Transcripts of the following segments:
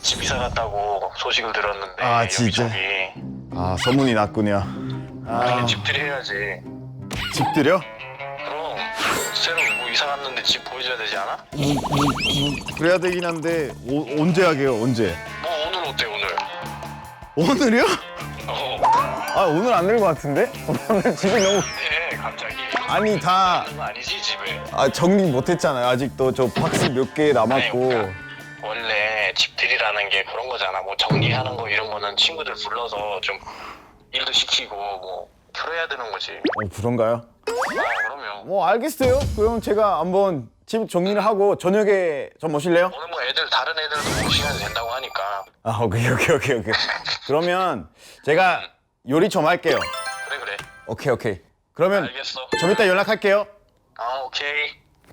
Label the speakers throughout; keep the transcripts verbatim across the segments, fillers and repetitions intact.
Speaker 1: 집 이사 갔다고 소식을 들었는데
Speaker 2: 아, 진짜?
Speaker 1: 여기저기.
Speaker 2: 아, 소문이 났군요.
Speaker 1: 당연히
Speaker 2: 아,
Speaker 1: 집들이 해야지.
Speaker 2: 집들여?
Speaker 1: 그럼 새로 뭐 이사 갔는데 집 보여줘야 되지 않아?
Speaker 2: 그래야 되긴 한데 오, 언제 하게요? 언제?
Speaker 1: 뭐 오늘 어때 오늘?
Speaker 2: 오늘이요?
Speaker 1: 어.
Speaker 2: 아, 오늘 안 될 것 같은데? 오늘 집이 너무
Speaker 1: 네 갑자기.
Speaker 2: 아니 다
Speaker 1: 그런 거 아니지 집에.
Speaker 2: 아, 정리 못했잖아요. 아직도 저 박스 몇 개 남았고.
Speaker 1: 아니, 그러니까 원래 집들이라는 게 그런 거잖아. 뭐 정리하는 거 이런 거는 친구들 불러서 좀 일도 시키고 뭐 그래야 되는 거지.
Speaker 2: 어, 그런가요?
Speaker 1: 아 그러면
Speaker 2: 뭐 알겠어요. 그럼 제가 한번 집 정리를 하고 저녁에 좀 오실래요?
Speaker 1: 오늘 뭐 애들 다른 애들도 뭐 시간이 된다고 하니까.
Speaker 2: 아, 오케이 오케이 오케이 오케이. 그러면 제가 요리 좀 할게요.
Speaker 1: 그래 그래.
Speaker 2: 오케이 오케이. 그러면
Speaker 1: 알겠어.
Speaker 2: 좀 이따 연락할게요.
Speaker 1: 아 오케이.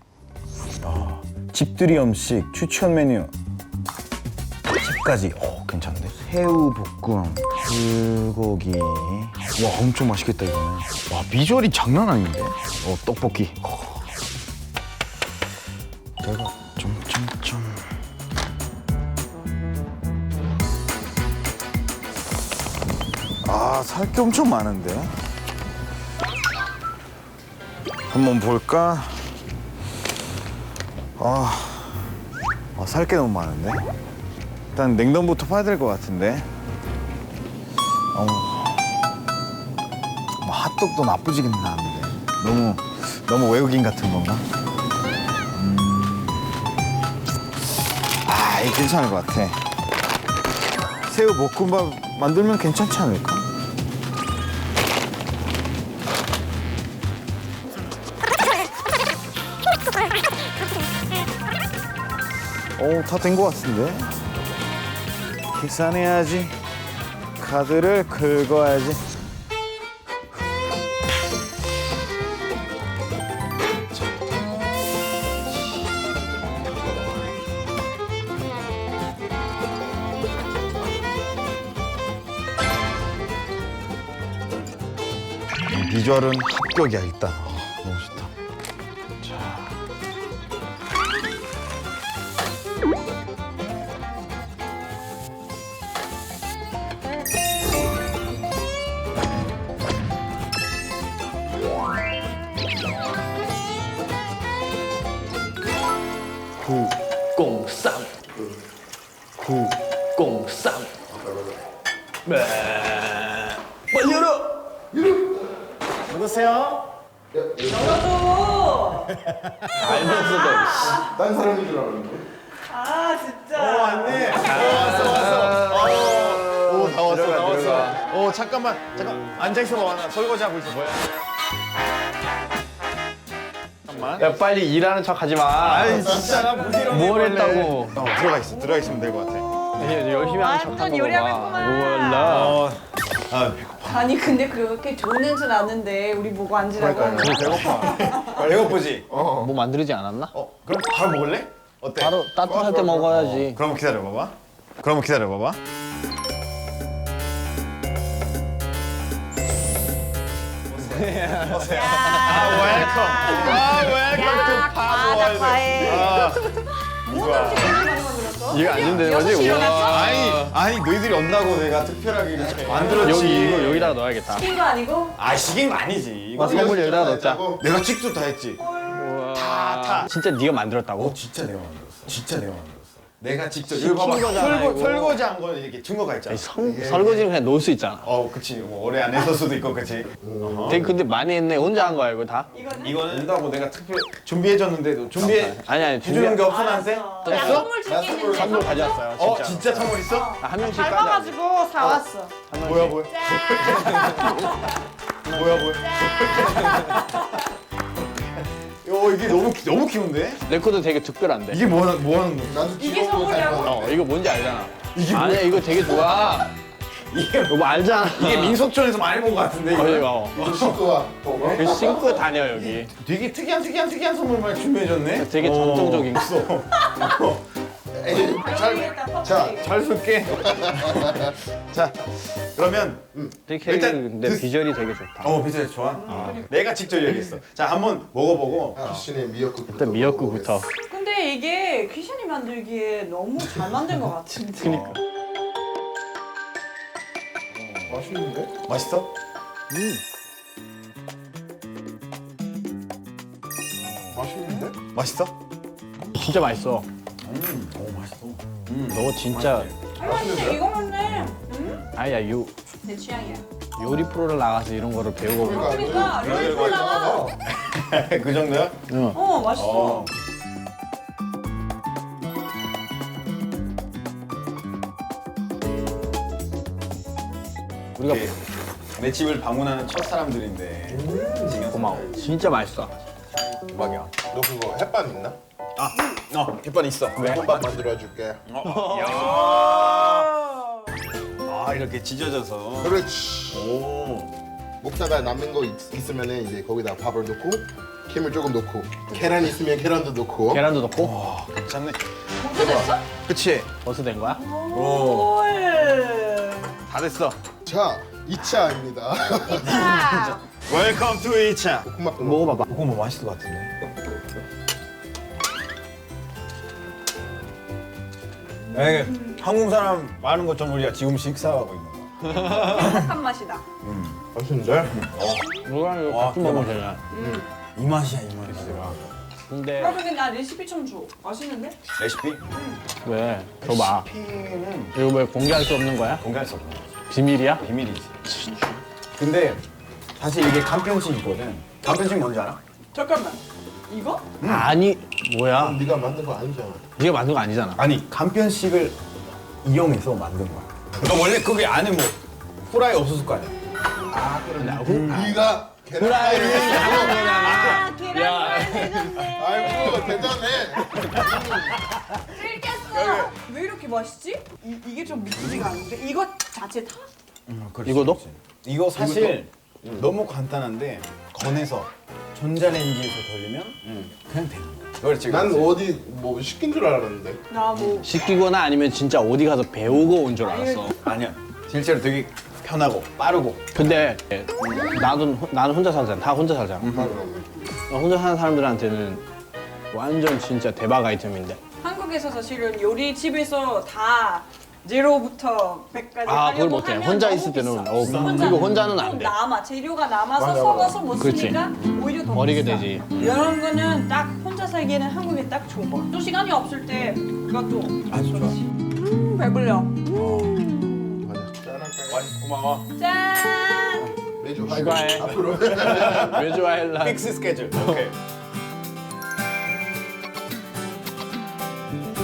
Speaker 2: 집들이 음식 추천 메뉴. 집까지. 오, 괜찮은데? 새우 볶음, 불고기. 와, 엄청 맛있겠다 이거는. 와, 비주얼이 장난 아닌데? 어, 떡볶이. 어. 내가 좀좀좀. 아, 살 게 엄청 많은데? 한번 볼까? 아, 아 살 게 너무 많은데? 일단 냉동부터 파야 될 것 같은데? 어, 뭐 핫도그도 나쁘지는 않은데 너무, 너무 외국인 같은 건가? 음. 아, 이거 괜찮을 것 같아. 새우 볶음밥 만들면 괜찮지 않을까? 오, 다 된 것 같은데? 계산해야지. 카드를 긁어야지. 비주얼은 합격이야, 일단. 어, 너무 좋다. 자.
Speaker 3: 구공삼 구공삼 네. 빨리 열어.
Speaker 2: 누구세요?
Speaker 4: 열어줘!
Speaker 3: 알면서도
Speaker 2: 딴 사람인 줄 알았는데.
Speaker 4: 아 진짜.
Speaker 2: 어, 왔네. 어, 왔어, 왔어. 어, 오, 다 왔어,
Speaker 3: 들어가,
Speaker 2: 다 왔어.
Speaker 3: 들어가.
Speaker 2: 어, 잠깐만, 잠깐. 앉아있어봐, 나 설거지 하고 있어. 뭐야? 잠깐만.
Speaker 3: 야 빨리 일하는 척 하지 마.
Speaker 2: 아이, 진짜 나 부지런히
Speaker 3: 뭘
Speaker 2: 원래.
Speaker 3: 했다고.
Speaker 2: 어, 들어가 있어, 들어가 있으면 될 것 같아.
Speaker 3: 이제 열심히 하는 척
Speaker 4: 완전
Speaker 3: 하는 거
Speaker 4: 요리하고
Speaker 3: 봐.
Speaker 4: 있구만.
Speaker 3: 몰라.
Speaker 2: 어, 아, 배고파.
Speaker 4: 아니 근데 그렇게 좋은 냄새 나는데 우리 보고 앉으라고 하는 거야.
Speaker 2: 배고파. 배고프지? 어.
Speaker 3: 뭐 만들지 않았나?
Speaker 2: 어, 그럼 바로 먹을래? 어때?
Speaker 3: 바로 따뜻할 때 먹어야지.
Speaker 2: 그럼 기다려봐봐. 그럼 기다려봐봐. 아, 웰컴.
Speaker 4: 야, 과자 과해.
Speaker 2: 아,
Speaker 4: 뭐가 이렇게 많이 만들었어?
Speaker 3: 이거 안 주면 되는 거지?
Speaker 4: 여섯 시
Speaker 3: 우와.
Speaker 4: 일어났어?
Speaker 2: 아니, 아니 너희들이 온다고 내가 특별하게 이렇게 만들었지.
Speaker 3: 여기 이거 여기다가 넣어야겠다.
Speaker 4: 시킨 거 아니고?
Speaker 2: 아, 시긴 아니지. 이거
Speaker 3: 아, 선물 여기다가 넣자.
Speaker 2: 내가 직접 다 했지.
Speaker 3: 다,
Speaker 2: 다.
Speaker 3: 진짜 네가 만들었다고?
Speaker 2: 진짜 내가 만들었어. 진짜 내가 만들었어. 내가 직접
Speaker 3: 시킨
Speaker 2: 이거 봐봐.
Speaker 3: 거잖아,
Speaker 2: 설거,
Speaker 3: 이거.
Speaker 2: 설거지한 거 이렇게 증거가 있잖아.
Speaker 3: 아니, 성, 설거지는 그냥 놓을 수 있잖아.
Speaker 2: 어, 그치. 뭐 오래 안 했을 수도 있고, 그치. 어허.
Speaker 3: 되게 근데 많이 했네. 혼자 한 거야 이거 다?
Speaker 4: 이거는?
Speaker 2: 이거는 온다고 내가 특별 준비해줬는데도 준비해
Speaker 3: 아니 아니
Speaker 2: 해주는 게 없어
Speaker 4: 알았어.
Speaker 2: 나한테?
Speaker 4: 야,
Speaker 2: 됐어?
Speaker 4: 선물 줄게 있는데
Speaker 3: 선물 가져왔어요. 진짜.
Speaker 2: 어, 진짜 선물 있어?
Speaker 3: 아, 한 명씩 까자.
Speaker 4: 닮아가지고 사왔어.
Speaker 3: 한 명씩.
Speaker 2: 뭐야 뭐야? 뭐야 뭐야? 어, 이게 너무 귀- 너무 귀여운데?
Speaker 3: 내 것도 되게 특별한데.
Speaker 2: 이게 뭐 하는 뭐 하는 거?
Speaker 4: 이게 선물이라고?
Speaker 3: 어 이거 뭔지 알잖아.
Speaker 2: 이게
Speaker 3: 아니야 이거 되게 좋아.
Speaker 2: 이게
Speaker 3: 이거 뭐 알잖아.
Speaker 2: 이게 민속촌에서 많이 본 것 같은데
Speaker 3: 어,
Speaker 2: 이거.
Speaker 3: 이거.
Speaker 5: 식구가 보고
Speaker 3: 그 신고 다녀 여기.
Speaker 2: 되게 특이한 특이한 특이한 선물만 준비해줬네.
Speaker 3: 되게
Speaker 2: 어,
Speaker 3: 전통적인.
Speaker 4: 잘,
Speaker 5: 자.
Speaker 2: 잘 쓸게. 자, 그러면
Speaker 3: 되게
Speaker 2: 일단
Speaker 3: 근데
Speaker 2: 그-
Speaker 3: 비주얼이 되게 좋다.
Speaker 2: 어 비주얼 좋아. 내가 직접 얘기했어. 자, 한번 먹어보고.
Speaker 5: 귀신의 미역국
Speaker 3: 일단 미역국부터.
Speaker 4: 근데 근데 이게 귀신이 만들기에 너무 잘 만든 것 같은데.
Speaker 3: 그니까.
Speaker 5: 맛있는데?
Speaker 2: 맛있어?
Speaker 5: 맛있는데?
Speaker 2: 맛있어?
Speaker 3: 진짜 맛있어.
Speaker 2: 오 맛있어.
Speaker 3: 너 진짜
Speaker 4: 아 근데 이거 맞네. 음?
Speaker 3: 아야 요
Speaker 4: 내 취향이야.
Speaker 3: 요리 프로를 나가서 이런 거를 배우고 그래.
Speaker 4: 그러니까 롤 콜라.
Speaker 2: 그 정도야?
Speaker 3: 응.
Speaker 4: 어 맛있어.
Speaker 3: 우리가
Speaker 2: 내 집을 방문하는 첫 사람들인데
Speaker 3: 고마워. 진짜 맛있어.
Speaker 2: 대박이야.
Speaker 5: 너 그거 햇반 있나?
Speaker 2: 아, 어, 햇반 있어. 왜?
Speaker 5: 햇반 만들어줄게.
Speaker 2: 아 이렇게 찢어져서.
Speaker 5: 그렇지.
Speaker 2: 오.
Speaker 5: 먹다가 남는 거 있, 있으면 이제 거기다 밥을 넣고 김을 조금 넣고 계란 있으면 계란도 넣고.
Speaker 3: 계란도 넣고
Speaker 2: 와 괜찮네.
Speaker 4: 벌써 됐어?
Speaker 2: 그치?
Speaker 3: 벌써 된 거야?
Speaker 2: 오.
Speaker 4: 헐.
Speaker 2: 다 됐어.
Speaker 5: 자, 이 차입니다.
Speaker 4: 자.
Speaker 2: 웰컴 투 이 차.
Speaker 5: 볶음밥
Speaker 3: 먹어봐봐.
Speaker 2: 이거 뭐 맛있을 것 같은데. 에 한국 사람 많은 것처럼 우리가 지금 식사하고 있는 거.
Speaker 4: 행복한 맛이다.
Speaker 5: 맛있는데?
Speaker 3: 누가 이거
Speaker 2: 와,
Speaker 3: 같이 먹으면 되냐?
Speaker 2: 이 맛이야 이 맛이야.
Speaker 3: 근데
Speaker 4: 아 근데 나 레시피 좀 줘. 맛있는데?
Speaker 2: 레시피?
Speaker 3: 왜? 줘봐.
Speaker 2: 레시피는
Speaker 3: 이거 왜 공개할 수 없는 거야?
Speaker 2: 공개할 수 없는 거야.
Speaker 3: 비밀이야?
Speaker 2: 비밀이지. 근데 사실 이게 간편식이거든. 간편식 뭔지 알아?
Speaker 4: 잠깐만. 이거?
Speaker 3: 아니 뭐야?
Speaker 5: 네가 만든 거 아니잖아.
Speaker 3: 네가 만든 거 아니잖아.
Speaker 2: 아니 간편식을 이용해서 만든 거야. 그러니까 원래 그게 안에 뭐 후라이 없었을 거 아니야.
Speaker 5: 네가 계란
Speaker 3: 후라이를
Speaker 5: 후라이를
Speaker 3: 하는 거잖아.
Speaker 4: 아 계란말 되는데.
Speaker 5: 아이고 대단해.
Speaker 4: 들켰어. 왜 이렇게 맛있지? 이, 이게 좀 믿기지가 않는데 이거 자체 다?
Speaker 3: 이거도?
Speaker 2: 이거 사실 너무 간단한데 건해서 전자레인지에서 돌리면 그냥 되는 거야. 그렇지.
Speaker 5: 난
Speaker 2: 그렇지.
Speaker 5: 어디 뭐 시킨 줄 알았는데.
Speaker 4: 나 뭐.
Speaker 3: 시키거나 아니면 진짜 어디 가서 배우고 온 줄 알았어.
Speaker 2: 아니야. 실제로 되게 편하고 빠르고.
Speaker 3: 근데 나도 나는 혼자 살잖아. 다 혼자 살잖아. 혼자 사는 사람들한테는 완전 진짜 대박 아이템인데.
Speaker 4: 한국에서 사실은 요리 집에서 다 제로부터 백까지
Speaker 3: 아, 그걸
Speaker 4: 하려고
Speaker 3: 못해.
Speaker 4: 하면
Speaker 3: 혼자
Speaker 4: 너무
Speaker 3: 있을 때는,
Speaker 4: 비싸.
Speaker 3: 어,
Speaker 4: 혼자
Speaker 3: 그리고 혼자는 안
Speaker 4: 좀
Speaker 3: 돼.
Speaker 4: 남아 재료가 남아서
Speaker 5: 맞아,
Speaker 4: 섞어서 못
Speaker 3: 그렇지.
Speaker 4: 쓰니까 오히려 더
Speaker 3: 버리게
Speaker 4: 비싸.
Speaker 3: 되지.
Speaker 4: 이런 거는 딱 혼자 살기에는 한국에 딱 좋은 거. 또 시간이 없을 때 그것도
Speaker 2: 아주 좋아.
Speaker 4: 음 배불려.
Speaker 5: 짠할까요?
Speaker 2: 고마워.
Speaker 4: 짠.
Speaker 5: 매주
Speaker 3: 추가해.
Speaker 5: 앞으로.
Speaker 3: 왜 좋아할라?
Speaker 2: 픽스 스케줄. 오케이.